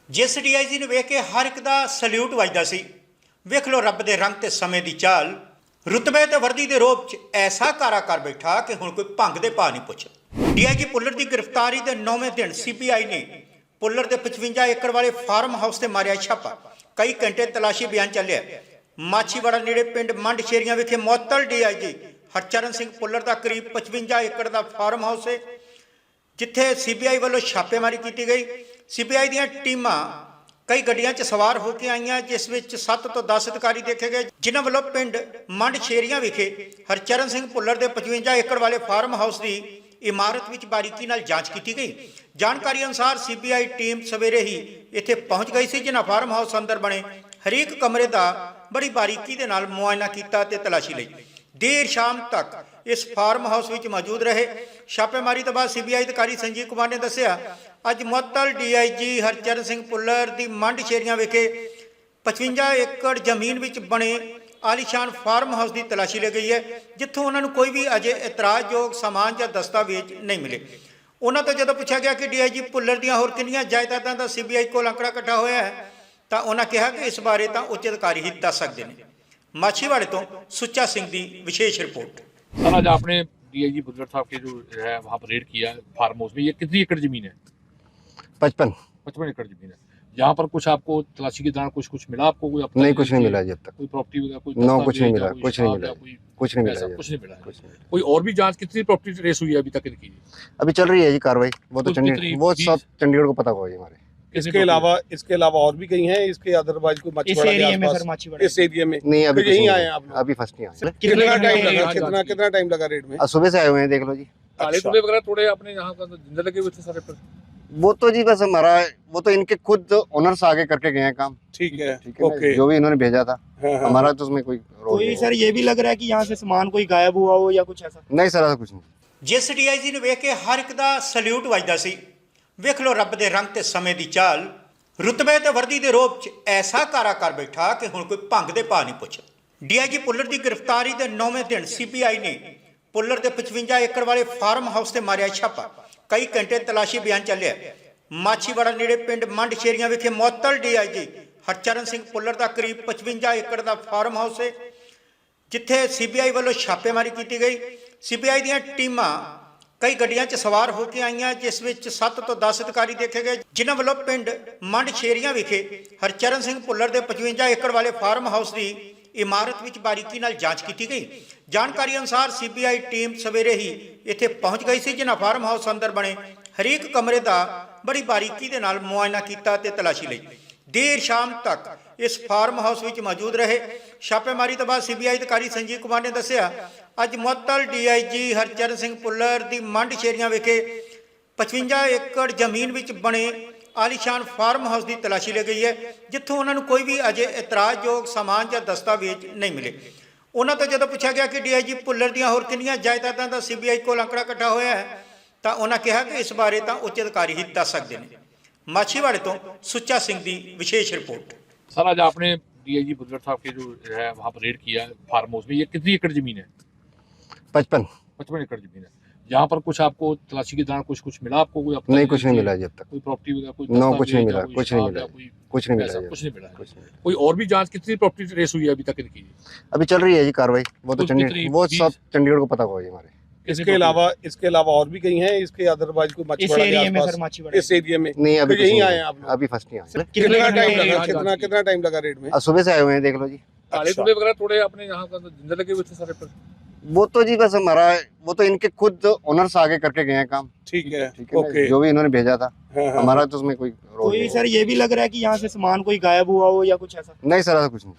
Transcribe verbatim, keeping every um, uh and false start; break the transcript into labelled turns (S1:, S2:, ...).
S1: जिस D I जी ने वेख के हर एक का सल्यूट वजदा सी। वेख लो रब दे रंग ते समय दी चाल, रुतबे ते वर्दी दे रोब च ऐसा कारा कर बैठा कि हुण कोई भंग दे भाव नहीं पुछ। डी आई जी पुलर की गिरफ्तारी के नौवें दिन सी पी आई ने पुलर के पचवंजा एकड़ वाले फार्म हाउस से मारिया छापा। कई घंटे तलाशी अभियान चलिया। माछीवाड़ा नेड़े पिंड मंड शेरियां विखे मुअत्तल D I G Harcharan Singh Pullar का करीब पचवंजा एकड़ का फार्म हाउस है, जिथे सी बी आई वालों छापेमारी की गई। सी बी आई दी टीमां कई गड्डियां च सवार होकर आईयां, जिस विच सत्त तो दस अधिकारी देखे गए, जिन्हां वालों पिंड मंड शेरियां विखे हरचरण सिंह पुलर के पचवंजा एकड़ वाले फार्म हाउस की इमारत विच बारीकी नाल जांच की गई। जानकारी अनुसार सी बी आई टीम सवेरे ही इत्थे पहुंच गई सी, जिन्हां फार्म हाउस अंदर बने हरेक कमरे का बड़ी बारीकी दे नाल मुआयना कीता ते तलाशी लई। देर शाम तक इस फार्म हाउस विच मौजूद रहे। छापेमारी तो बाद सी बी आई अधिकारी संजीव कुमार ने दस्सिया, अज मुअत्तल D I G Harcharan Singh Pullar की मंड शेरियां विखे पचवंजा एकड़ जमीन विच बने आलीशान फार्म हाउस की तलाशी ली गई है, जिथों उन्होंने कोई भी अजे इतराजयोग समान या दस्तावेज नहीं मिले। उन्होंने तो जो पूछा गया कि डी आई जी पुलर दी होर कितनी जायदादां दा सी बी आई को आंकड़ा इकट्ठा होया है, तो उन्होंने कहा कि इस बारे तो उच्च अधिकारी ही दस सकते हैं। माछीवाड़े तो सुच्चा सिंह की विशेष रिपोर्ट।
S2: सर, आज आपने डी आई जी पुलर साहब के जो है वहाँ पर रेड किया फार्म हाउस में, ये कितनी एकड़ जमीन है?
S3: पचपन
S2: पचपन एकड़ जमीन है। यहाँ पर कुछ आपको तलाशी के दौरान कुछ कुछ मिला आपको? कोई
S3: नहीं, कुछ नहीं मिला जब तक।
S2: कोई प्रॉपर्टी वगैरह कोई
S3: नो, कुछ नहीं
S2: दस्तावेज
S3: मिला,
S2: या कोई
S3: कुछ नहीं
S2: शराब
S3: मिला,
S2: या कोई
S3: कुछ नहीं
S2: पैसा,
S3: मिला,
S2: कुछ नहीं मिला है।
S3: कुछ नहीं मिला।
S2: कोई और भी जांच कितनी प्रॉपर्टी ट्रेस हुई है अभी तक इनकी?
S3: अभी चल रही है जी कार्रवाई। वो तो
S2: कुछ
S3: चंडीगढ़,
S2: कितनी
S3: वो
S2: फीस?
S3: सब चंडीगढ़ को पता होगा जी हमारे।
S4: इसके अलावा इसके अलावा और भी कहीं हैं इसके अदरवाइज कोई माछीवाड़ा के आसपास इस एरिया में?
S3: नहीं, अभी
S4: तो
S3: कुछ
S4: यहीं
S3: नहीं
S4: आए
S3: है।
S4: हैं आप लोग?
S3: अभी फर्स्ट नहीं आए।
S4: कितना टाइम लगा?
S2: जांच
S4: कितना
S2: की?
S4: कितना टाइम लगा रेड में?
S3: आज सुबह से आए हुए हैं, देख लो जी।
S2: काले
S4: अच्छा।
S2: धुले वगैरह थोड़े अपने यहाँ का जिंदा लगे हुए थे सारे पर।
S3: वो तो जी बस हमारा, वो तो इनके खुद ओनर्स आगे करके गए हैं काम।
S4: ठीक है,
S3: ठीक है ना?
S4: ओके।
S3: जो भी इन्होंने भेजा था,
S4: हाँ, हाँ।
S3: हमारा तो उसमें कोई रोल
S5: कोई
S3: नहीं
S5: सर ये भी लग रहा है कि यहाँ से सामान कोई गायब हुआ हो या कुछ ऐसा?
S3: है। नहीं सर, ऐसा कुछ नहीं।
S1: जिस डी आई जी ने वेख के हर एक का सल्यूट वजदा सी। वेख लो रब दे रंग ते समय दी चाल, रुतबे ते वर्दी दे रोब च ऐसा कारा कर बैठा कि हुण कोई भंग दे भाव नहीं पुछ। डी आई जी पुलर की गिरफ्तारी के नौवें दिन सी पी आई ने पुलर के पचवंजा एकड़ वाले फार्म हाउस से मारिया छापा। कई घंटे तलाशी अभियान चलिया। माछीवाड़ा नेड़े पिंड मंड शेरियां विखे मुअत्तल D I G Harcharan Singh Pullar का करीब पचवंजा एकड़ का फार्म हाउस है, जिथे सी बी आई वालों छापेमारी की गई। सी बी आई दी टीमां कई गड्डियां च सवार होकर आईयां, जिस विच सत्त तो दस अधिकारी देखे गए, जिन्हां वालों पिंड मंड शेरियां विखे हरचरण सिंह पुलर के पचवंजा एकड़ वाले फार्म हाउस की इमारत विच बारीकी नाल जांच की गई। जानकारी अनुसार सी बी आई टीम सवेरे ही इत्थे पहुंच गई सी, जिन्हां फार्म हाउस अंदर बने हरेक कमरे का बड़ी बारीकी दे नाल मुआयना कीता ते तलाशी लई। देर शाम तक इस फार्म हाउस विच मौजूद रहे। छापेमारी तो बाद सी बी आई अधिकारी संजीव कुमार ने दस्सिया, अज मुअत्तल D I G Harcharan Singh Pullar की मंड शेरियां विखे पचवंजा एकड़ जमीन विच बने आलीशान फार्म हाउस की तलाशी ली गई है, जिथों उन्होंने कोई भी अजे इतराजयोग समान या दस्तावेज नहीं मिले। उन्होंने तो जो पूछा गया कि डी आई जी पुलर दी होर कितनी जायदादां दा सी बी आई को आंकड़ा इकट्ठा होया है, तो उन्होंने कहा कि इस बारे तो उच्च अधिकारी ही दस सकते हैं। माछीवाड़े तो सुच्चा सिंह की विशेष रिपोर्ट।
S2: सर, आज आपने डी आई जी पुलर साहब के जो है वहाँ पर रेड किया फार्म हाउस में, ये कितनी एकड़ जमीन है?
S3: पचपन
S2: पचपन एकड़ जमीन है। यहाँ पर कुछ आपको तलाशी के दौरान कुछ कुछ मिला आपको? कोई
S3: नहीं, कुछ नहीं मिला जब तक।
S2: कोई प्रॉपर्टी वगैरह कोई
S3: नो, कुछ नहीं
S2: दस्तावेज
S3: मिला,
S2: या कोई
S3: कुछ नहीं
S2: शराब
S3: मिला,
S2: या कोई
S3: कुछ नहीं मिला
S2: पैसा,
S3: जी।
S2: कुछ नहीं मिला है।
S3: कुछ नहीं मिला।
S2: कोई और भी जांच कितनी प्रॉपर्टी ट्रेस हुई है अभी तक इनकी?
S3: अभी चल रही है जी कार्रवाई। वो तो
S2: कुछ
S3: चंडीगढ़,
S2: कितनी
S3: वो
S2: फीस?
S3: सब चंडीगढ़ को पता होगा जी हमारे।
S4: इसके अलावा इसके अलावा और भी कहीं हैं इसके अदरवाइज कोई
S5: इस
S4: माछीवाड़ा के
S5: एरिया में सर
S4: आसपास
S5: माछीवाड़ा
S4: इस एरिया में?
S3: नहीं, अभी
S4: तो
S3: कुछ
S4: यहीं
S3: नहीं
S4: आए
S3: है।
S4: हैं आप लोग?
S3: अभी फर्स्ट नहीं आए।
S4: कितना टाइम
S2: घंटे
S4: लगा?
S2: जांच
S4: कितना
S2: की?
S4: कितना टाइम लगा रेड में?
S3: आज सुबह से आए हुए हैं, देख लो जी।
S2: काले
S4: अच्छा।
S2: धुले वगैरह थोड़े अपने यहाँ का जिंदा लगे हुए थे सारे पर।
S3: वो तो जी बस हमारा, वो तो इनके खुद ओनर्स आगे करके गए हैं काम।
S4: ठीक है,
S3: ठीक है ना?
S4: ओके।
S3: जो भी इन्होंने भेजा था,
S4: हाँ, हाँ।
S3: हमारा तो उसमें कोई रोल
S5: कोई
S3: नहीं
S5: सर ये भी लग रहा है कि यहाँ से सामान कोई गायब हुआ हो या कुछ ऐसा?
S3: है। नहीं सर, ऐसा कुछ नहीं।